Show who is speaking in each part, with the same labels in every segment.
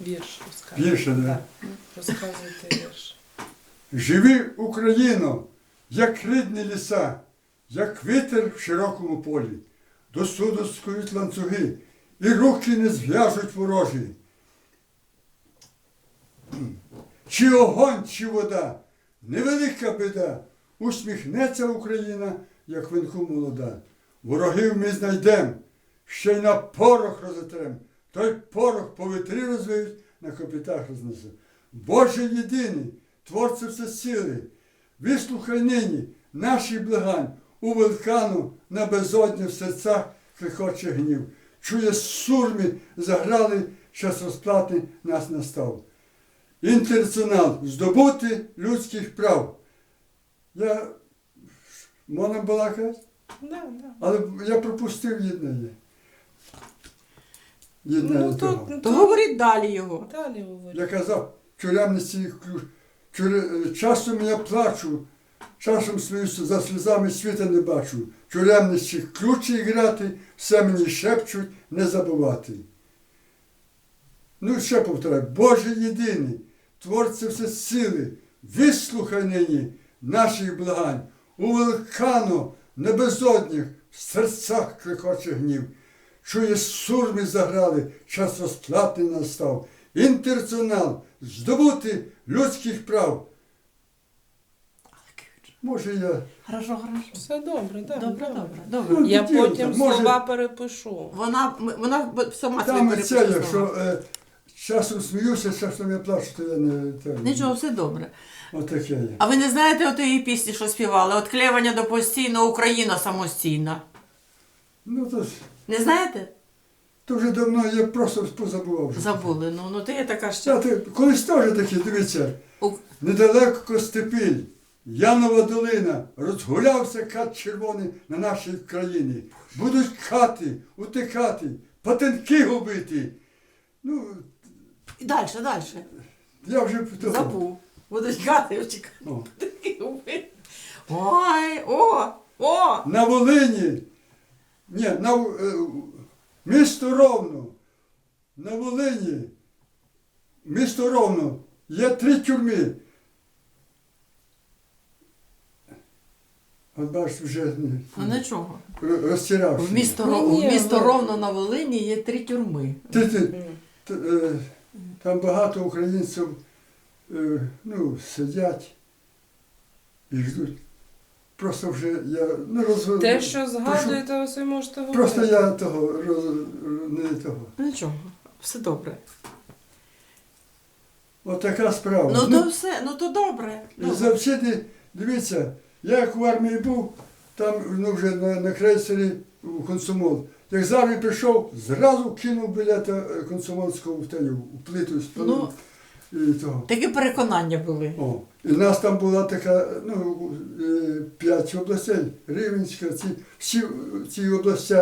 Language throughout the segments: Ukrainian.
Speaker 1: Вірш розказуйте.
Speaker 2: Вірш, да?
Speaker 1: Так, розказуйте вірш.
Speaker 2: Живи, Україно, як рідні ліса, як вітер в широкому полі. До суду скують ланцюги, і руки не зв'яжуть ворожі. Чи огонь, чи вода, невелика біда, усміхнеться Україна, як винку молода. Ворогів ми знайдем, ще й на порох розотрем, той порох по вітрі розвиють, на копитах рознесуть. Боже єдиний, Творце всесили, вислухай нині наші благань, у вулкану на безодні в серцях кликоче гнів. Чує сурми заграли, час розплати нас настав. Інтернаціонал здобути людських прав. Можна балакати?
Speaker 1: Да.
Speaker 2: Але я пропустив єднання. Єднання того.
Speaker 3: То говоріть далі його.
Speaker 1: Далі говоріть.
Speaker 2: Я казав, тюремниці ключ. Часом я плачу, часом сміюся, за сльозами світа не бачу. Тюремниці ключі грати, все мені шепчуть, не забувати. Ну, ще повторяю, Боже єдиний, Творце всесили, вислухай нині наших благань. У вулкану на безодніх в серцях кликоче гнів. Чує, сурми заграли, час розплати настав. Інтернаціонал здобути людських прав. Може я...
Speaker 3: Хорошо.
Speaker 1: Все добре, так.
Speaker 3: Добре.
Speaker 2: Ну,
Speaker 1: Я
Speaker 2: хотів,
Speaker 1: потім
Speaker 2: там, може-
Speaker 1: слова перепишу.
Speaker 3: Вона сама
Speaker 2: Там
Speaker 3: собі
Speaker 2: це,
Speaker 3: перепише
Speaker 2: якщо
Speaker 3: слова.
Speaker 2: часом сміюся, часом я плачу, то я не...
Speaker 3: Нічого, все добре.
Speaker 2: Отаке є.
Speaker 3: А ви не знаєте отої пісні, що співали? От клевання до постійно, Україна самостійна.
Speaker 2: Ну,
Speaker 3: Не знаєте?
Speaker 2: то вже давно я просто позабував. вже.
Speaker 3: Забули. Ну то є така ще.
Speaker 2: Колись теж такі, дивіться,
Speaker 3: У-
Speaker 2: недалеко Костепіль, Янова долина, розгулявся кат червоний на нашій країні. Будуть кати, утикати, патенки губити. Ну,
Speaker 3: І далі.
Speaker 2: я вже...
Speaker 3: Забув. Будуть гати вчекати.
Speaker 2: О.
Speaker 3: Ой, о!
Speaker 2: На Волині, ні, місто Ровно, на Волині, місто Ровно, є 3 тюрми. От бачиш, вже
Speaker 3: Ну нічого.
Speaker 2: розтирався.
Speaker 3: В місто
Speaker 1: ну.
Speaker 3: Ровно на Волині є 3 тюрми.
Speaker 2: Там багато українців сидять і ждуть. Просто вже я не розвиваю.
Speaker 1: Те, що згадуєте, ви собі можете говорити.
Speaker 2: Просто я не того.
Speaker 3: Нічого, все добре.
Speaker 2: От така справа.
Speaker 3: Ну то все, ну то добре.
Speaker 2: І завжди, дивіться, я як в армії був, там вже на крейсері у Комсомол. Як з армії прийшов, зразу кинув білета комсомольського у плиту спалив. І того.
Speaker 3: Такі переконання були.
Speaker 2: О. І в нас там була така, 5 областей, Рівненська, всі ці області,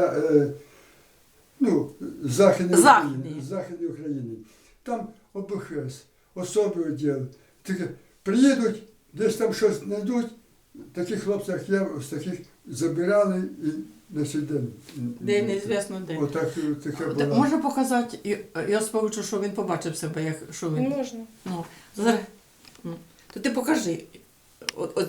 Speaker 2: Західної України. Там ОБХС, особи відділи. Приїдуть, десь там щось знайдуть, таких хлопців, як я, з таких забирали і на цей день.
Speaker 3: Де неізвісно де.
Speaker 2: Отак таке було.
Speaker 3: Можна показати, я спочатку, що він побачив себе, що він.
Speaker 1: Можна.
Speaker 3: Ну, зараз. То ти покажи.